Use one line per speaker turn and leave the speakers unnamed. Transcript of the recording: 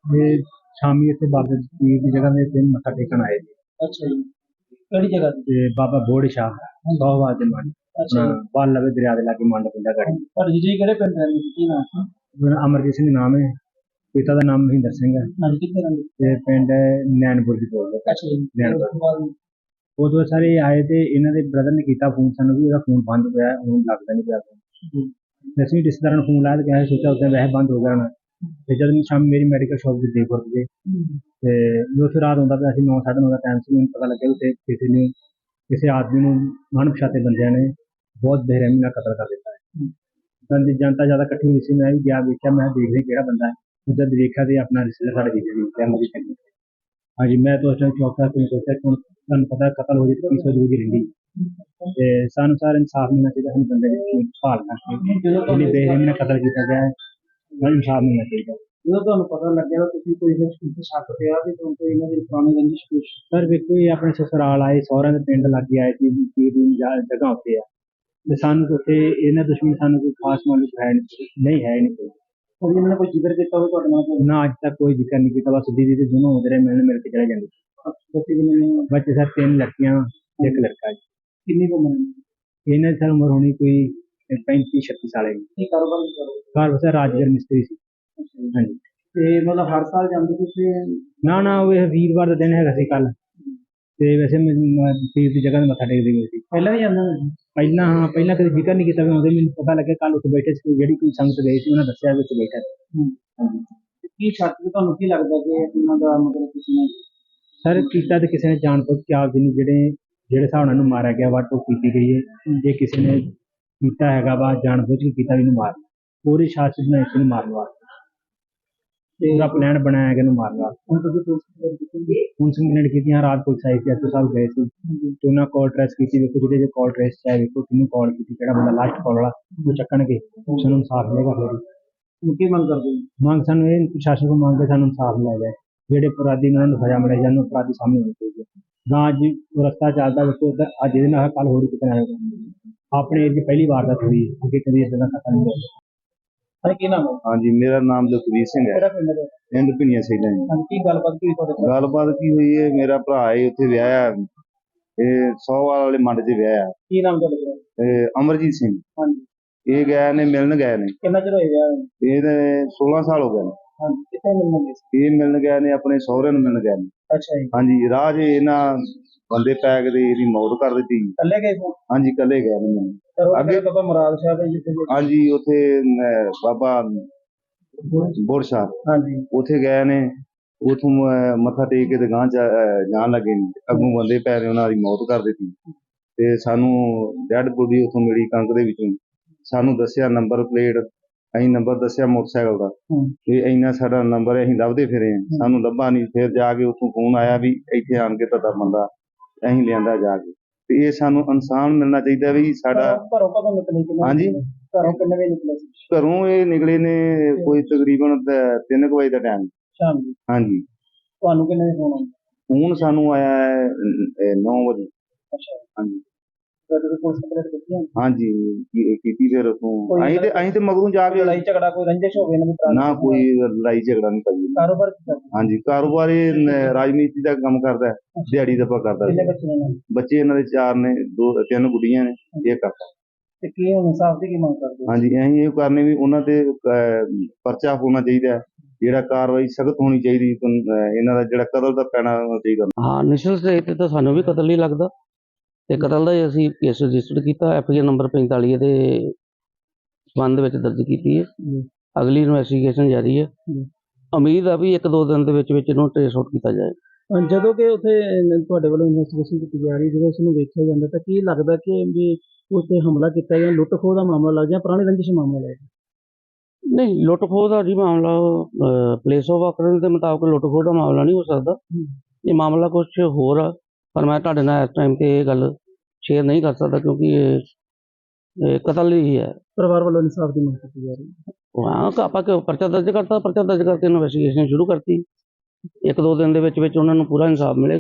ये शामी इतने बाबा पीर की जगह में दिन मत्था टेकन आए थे।
अच्छा जी। केड़ी जगह ते?
ते बाबा बोड़ शाह सोहवाद दे मंड
अच्छा
अपना
जी।
बाल लवे दरिया दे लागे मंड पिंडा गढ़ी।
पर जी केड़े पिंड रहंदे सी? की नाम सी?
मेरा अमरजीत सिंह नाम है, पिता का नाम महेंद्र सिंह है।
हाँ जी, कित्थे रहिंदे?
ते पिंड नैनपुर दी बोलदे
अच्छा जी। ते उस
नैनपुर।
तो बाद?
उदों सारे आए थे, इन्हां दे ब्रदर ने कीता फोन, सानू भी ओहदा फोन बंद पिया, हुण लगदा नहीं पिया फोन।
जी।
दसवीं रिश्तेदारां नूं फोन लाया ते कहा सोचा उस दिन वैसे बंद हो गया होना। ते जद मैं शामी मेरी मेडिकल शॉप दे देखो गए ते मैं उत्थे रात हुंदा पिया सी, 9 साढ़े 9 दा टाइम सी। मैनूं पता लग्गिया उत्थे किसी आदमी नूं अणपछाते बंदियां ने बहुत बेरहमी नाल कतल कर दित्ता है। जनता ज्यादा इकट्ठी हुई सी, मैं भी गया वेख्या, मैं देख रही केड़ा बंदा है। जद देखा ते अपना रिश्तेदार साडे जीजे दी फैमिली चंगी। हाँ जी, मैं तो उस टाइम चौंका कि सोचा कि हुण तुहानूं पता कतल हो जाए तो की सोच बुझ रहिंदी। ते सानूं सारा इंसाफ मिलना चाहिए, सानूं बंदे दी भाल करके जिहदी बेरहमी नाल कतल कीता गया है, उन्हें इंसाफ मिलना चाहिए।
ਜਦੋਂ ਤੁਹਾਨੂੰ ਪਤਾ ਲੱਗਿਆ ਤੁਸੀਂ ਕੋਈ ਇਸ ਸ਼ੱਕ ਪਿਆ ਵੀ ਤੁਹਾਨੂੰ ਇਹਨਾਂ ਦੀ ਪੁਰਾਣੀ ਰੰਜਿਸ਼ ਕੁਛ?
सर वेखो ये अपने ससुराल आए, सहुरे दे पिंड लागे आए सी, पीर दी जगह उत्ते आ ते सानूं ते उत्थे इन्हां दुश्मनी सानूं कोई खास मालूम है नहीं है ही नहीं कोई।
ਕੋਈ ਇਹਨਾਂ ਨੇ ਕੋਈ ਜ਼ਿਕਰ ਕੀਤਾ ਹੋਵੇ ਤੁਹਾਡੇ ਨਾਲ ਕੋਈ?
ना अज तक कोई जिक्र नहीं किया, बस दीदी ते दोनों होंदे रहे, मिलने मिल के चले जांदे।
ਬੱਚੇ ਕਿੰਨੇ ਨੇ?
बच्चे सर 3 लड़कियां एक लड़का जी।
ਕਿੰਨੀ ਕੁ ਉਮਰ ਹੈ?
इन्हां दी सर उम्र होनी कोई 35-36 साल की।
ਕੀ ਕਾਰੋਬਾਰ ਕਰਦੇ?
घर वैसे राजगढ़ मिस्त्री सी। हाँ जी।
ਤੇ ਮਤਲਬ ਹਰ ਸਾਲ ਜਾਂਦੇ ਤੁਸੀਂ?
ना ना वो वीरवार का दिन हैगा सी कल, ते वैसे मैं पीर की जगह ते मत्था टेकदी गई सी।
ਪਹਿਲਾਂ ਵੀ ਜਾਂਦੇ ਹੁੰਦੇ ਸੀ?
पहला हाँ पहला कभी जिक्र नहीं किया, उहदे मैनूं पता लगे कल उत्थे बैठे सी, जेहड़ी कोई संगत गई सी उन्हें दस्सिया कि उत्थे बैठा सी।
ਤੇ ਕੀ ਸ਼ੱਕ ਤੇ ਤੁਹਾਨੂੰ ਕੀ ਲੱਗਦਾ ਕਿ ਇਹਨਾਂ ਦਾ ਮਤਲਬ ਕਿਸੇ ਨੇ?
सर कीता ते किसी ने जान बुझ के आप जिन्हें जेहड़े जेहड़े हिसाब नाल इहनूं मारिया गया वा टोक कीती गई है, जे किसी ने कीता हैगा वा जान बुझ के कीता इहनूं मारना, पूरी साजिश बनाई सी इहनूं मारन वास्ते, पूरा प्लान बनाया गया इहनूं मारन वास्ते।
ਹੁਣ ਤੁਸੀਂ ਪੁਲਿਸ ਕੰਪਲੇਂਟ ਕੀਤੀ?
पुलिस कंप्लेंट की, हाँ रात पुलिस आई थी, एसओ साहब गए थे तो उन्हें कॉल ट्रेस की, देखो जो कॉल ट्रेस है, देखो किन्नू कॉल की, केड़ा बंदा लास्ट कॉल वाला वो चक्कणगे, सानूं इंसाफ मिलेगा। फिर
ਹੁਣ ਕੀ ਮੰਗ ਕਰਦੇ ਹੋ?
मांग सानूं ये प्रशासन को मांग के सानूं इंसाफ मिला जाए, जेहड़े अपराधी ने उन्होंने सजा मिले जाए, अपराधी सामने होने चाहिए। गां अज रस्ता चलता देखो उधर अज ये ना कल होर कितने अपने एज पहली बार का हुई, अगे कभी इस तरह खत्म नहीं होगा।
ਹਾਂ ਕੀ ਨਾਮ ਹੈ?
हाँ जी, मेरा नाम लखवीर सिंह है,
ਕਿਹੜਾ ਪਿੰਡ ਹੈ?
पिंड पिनिया सैदा जी।
ਹਾਂ ਕੀ ਗੱਲਬਾत ਕੀ ਤੁਹਾਡੇ ਨਾਲ?
गलबात की हुई है, मेरा भरा है उत्थे विआहया, सोहवाल वाले मंड च विआहया,
ਕੀ ਨਾਮ ਤੁਹਾਡੇ ਦਾ?
अमरजीत सिंह।
ਹਾਂਜੀ।
ये गए ने मिलन गए ने,
ਕਿੰਨਾ ਚਿਰ ਹੋਇਆ ਵਿਆਹ ਨੂੰ?
ये 16 साल हो गए ने।
ਹਾਂਜੀ। ਕਿੱਥੇ ਮਿਲਣਗੇ?
ये मिलन गए ने अपने सहुरे नूं मिलन गए ने।
ਅੱਛਾ ਜੀ।
हाँ जी, राह च इन्हां बंदे पै के ते इहदी मौत कर दित्ती।
ਇਕੱਲੇ ਗਏ ਸੀ?
हाँ जी, कल्ले गए ने मिलन।
ਅੱਗੇ
ਅੱਗੇ
ਬਾਬਾ ਮੁਰਾਦ ਸਾਹਿਬ ਹੈ ਜਿੱਥੇ ਗਏ?
हाँ जी, उत्थे बाबा बोड़ शाह
ਹਾਂਜੀ।
ਉੱਥੇ ਗਏ ਨੇ, ਉਥੋਂ ਮੱਥਾ ਟੇਕ ਕੇ ਤੇ ਗਾਂਹ ਜਾਣ ਲੱਗੇ ਨੇ, ਅੱਗੋਂ ਬੰਦੇ ਪੈ ਨੇ ਉਹਨਾਂ ਦੀ ਮੌਤ ਕਰ ਦਿੱਤੀ। ਤੇ ਸਾਨੂੰ ਡੈਡ ਬੋਡੀ ਉੱਥੋਂ ਮਿਲੀ ਕਣਕ ਦੇ ਵਿੱਚੋਂ, ਸਾਨੂੰ ਦੱਸਿਆ ਨੰਬਰ ਪਲੇਟ, ਅਸੀਂ ਨੰਬਰ ਦੱਸਿਆ ਮੋਟਰਸਾਈਕਲ ਦਾ ਤੇ ਇੰਨਾ ਸਾਡਾ ਨੰਬਰ ਅਸੀਂ ਲੱਭਦੇ ਫਿਰੇ ਹਾਂ, ਸਾਨੂੰ ਲੱਭਾ ਨਹੀਂ। ਫਿਰ ਜਾ ਕੇ ਉੱਥੋਂ ਫੋਨ ਆਇਆ ਵੀ ਇੱਥੇ ਆਣ ਕੇ ਤੁਹਾਡਾ ਬੰਦਾ ਅਸੀਂ ਲਿਆਂਦਾ ਜਾ ਕੇ, ਤੇ ਇਹ ਸਾਨੂੰ ਇਨਸਾਨ ਮਿਲਣਾ ਚਾਹੀਦਾ ਵੀ ਸਾਡਾ।
ਘਰੋਂ ਕਦੋਂ ਨਿਕਲੇ ਸੀ?
ਹਾਂਜੀ,
ਘਰੋਂ ਕਿੰਨੇ ਵਜੇ ਨਿਕਲੇ ਸੀ?
ਘਰੋਂ ਇਹ ਨਿਕਲੇ ਨੇ ਕੋਈ ਤਕਰੀਬਨ 3 ਵਜੇ ਦਾ ਟਾਈਮ।
ਸ਼ਾਮ ਦੀ?
ਹਾਂਜੀ।
ਤੁਹਾਨੂੰ ਕਿੰਨੇ ਵਜੇ ਫੋਨ ਆਇਆ?
ਹੁਣ ਸਾਨੂੰ ਆਇਆ ਹੈ 9 ਵਜੇ।
ਅੱਛਾ।
ਹਾਂਜੀ
ਫਿਰ ਤੁਸੀਂ ਪੁਲਿਸ ਕੰਪਲੇਂਟ ਕੀਤੀ ਹੈ?
ਹਾਂਜੀ, ਕੀਤੀ। ਫਿਰ ਉੱਥੋਂ ਅਸੀਂ ਤੇ ਮਗਰੋਂ ਜਾ ਕੇ
ਲੜਾਈ ਝਗੜਾ ਕੋਈ ਰੰਜਿਸ਼ ਹੋਵੇ ਇਹਨਾਂ ਦੀ ਪੁਰਾਣੀ?
ਨਾ, ਕੋਈ ਲੜਾਈ ਝਗੜਾ ਨਹੀਂ ਪਾਈ।
ਕਾਰੋਬਾਰ ਕੀ ਕਰਦੇ?
ਹਾਂਜੀ, ਕਾਰੋਬਾਰ ਇਹ ਰਾਜਨੀਤੀ ਦਾ ਕੰਮ ਕਰਦਾ ਹੈ, ਦਿਹਾੜੀ ਦਾ ਕਰਦਾ।
ਕਿੰਨੇ ਬੱਚੇ ਨੇ ਇਹਨਾਂ ਦੇ?
ਬੱਚੇ ਇਹਨਾਂ ਦੇ 4 ਨੇ, 3 ਗੁੱਡੀਆਂ ਨੇ, ਇਹ ਕਰਦਾ।
ਤੇ ਕੀ ਹੁਣ ਇਨਸਾਫ ਦੀ ਕੀ ਮੰਗ ਕਰਦੇ ਹੋ?
ਹਾਂਜੀ, ਅਸੀਂ ਇਹ ਕਰਨੇ ਵੀ ਉਹਨਾਂ ਤੇ ਪਰਚਾ ਹੋਣਾ ਚਾਹੀਦਾ ਹੈ, ਜਿਹੜਾ ਕਾਰਵਾਈ ਸਖਤ ਹੋਣੀ ਚਾਹੀਦੀ, ਇਹਨਾਂ ਦਾ ਜਿਹੜਾ ਕਤਲ ਦਾ ਪੈਣਾ ਹੋਣਾ ਚਾਹੀਦਾ।
ਹਾਂ, ਇਨੀਸ਼ੀਅਲ ਸਟੇਜ ਤੇ ਤਾਂ ਸਾਨੂੰ ਵੀ ਕਤਲ ਹੀ ਲੱਗਦਾ, ਤੇ ਕਤਲ ਦਾ ਹੀ ਅਸੀਂ ਕੇਸ ਰਜਿਸਟਰ ਕੀਤਾ, ਐਫਆਈਆਰ ਨੰਬਰ 45 ਦੇ ਸੰਬੰਧ ਵਿੱਚ ਦਰਜ ਕੀਤੀ ਹੈ। ਅਗਲੀ ਇਨਵੈਸਟੀਗੇਸ਼ਨ ਜਾਰੀ ਹੈ। ਉਮੀਦ ਆ ਵੀ 1-2 ਦਿਨ ਦੇ ਵਿੱਚ ਇਹਨੂੰ ਟ੍ਰੇਸ ਆਊਟ ਕੀਤਾ ਜਾਏ।
ਜਦੋਂ ਕਿ ਉੱਥੇ ਤੁਹਾਡੇ ਵੱਲੋਂ ਇਨਵੈਸਟੀਗੇਸ਼ਨ ਕੀਤੀ ਜਾ ਰਹੀ, ਜਦੋਂ ਉਸ ਨੂੰ ਵੇਖਿਆ ਜਾਂਦਾ ਤਾਂ ਕੀ ਲੱਗਦਾ ਕਿ ਵੀ ਉਸ ਤੇ ਹਮਲਾ ਕੀਤਾ ਜਾਂ ਲੁੱਟ ਖੋਹ ਦਾ ਮਾਮਲਾ ਲੱਗ ਜਾਂ ਪੁਰਾਣੀ ਰੰਜਿਸ਼ ਮਾਮਲਾ ਲੱਗ?
ਨਹੀਂ, ਲੁੱਟ ਖੋਹ ਦਾ ਜੀ ਮਾਮਲਾ ਪਲੇਸ ਆਫ ਆਕਰੈਂਸ ਦੇ ਮੁਤਾਬਕ ਲੁੱਟ ਖੋਹ ਦਾ ਮਾਮਲਾ ਨਹੀਂ ਹੋ ਸਕਦਾ। ਇਹ ਮਾਮਲਾ ਕੁਝ ਹੋਰ ਆ, ਪਰ ਮੈਂ ਤੁਹਾਡੇ ਨਾਲ ਇਸ ਟਾਈਮ ਤੇ ਇਹ ਗੱਲ ਸ਼ੇਅਰ ਨਹੀਂ ਕਰ ਸਕਦਾ ਕਿਉਂਕਿ ਇਹ ਕਤਲ ਹੀ ਹੈ।
ਪਰਿਵਾਰ ਵੱਲੋਂ ਇਨਸਾਫ ਦੀ ਮੰਗ ਕੀਤੀ ਜਾ ਰਹੀ ਹੈ।
ਹਾਂ, ਆਪਾਂ ਪਰਚਾ ਦਰਜ ਕਰਤਾ, ਪਰਚਾ ਦਰਜ ਕਰਕੇ ਇਨਵੈਸਟੀਗੇਸ਼ਨ ਸ਼ੁਰੂ ਕਰਤੀ। 1-2 ਦਿਨ ਦੇ ਵਿੱਚ ਉਹਨਾਂ ਨੂੰ ਪੂਰਾ ਇਨਸਾਫ ਮਿਲੇ।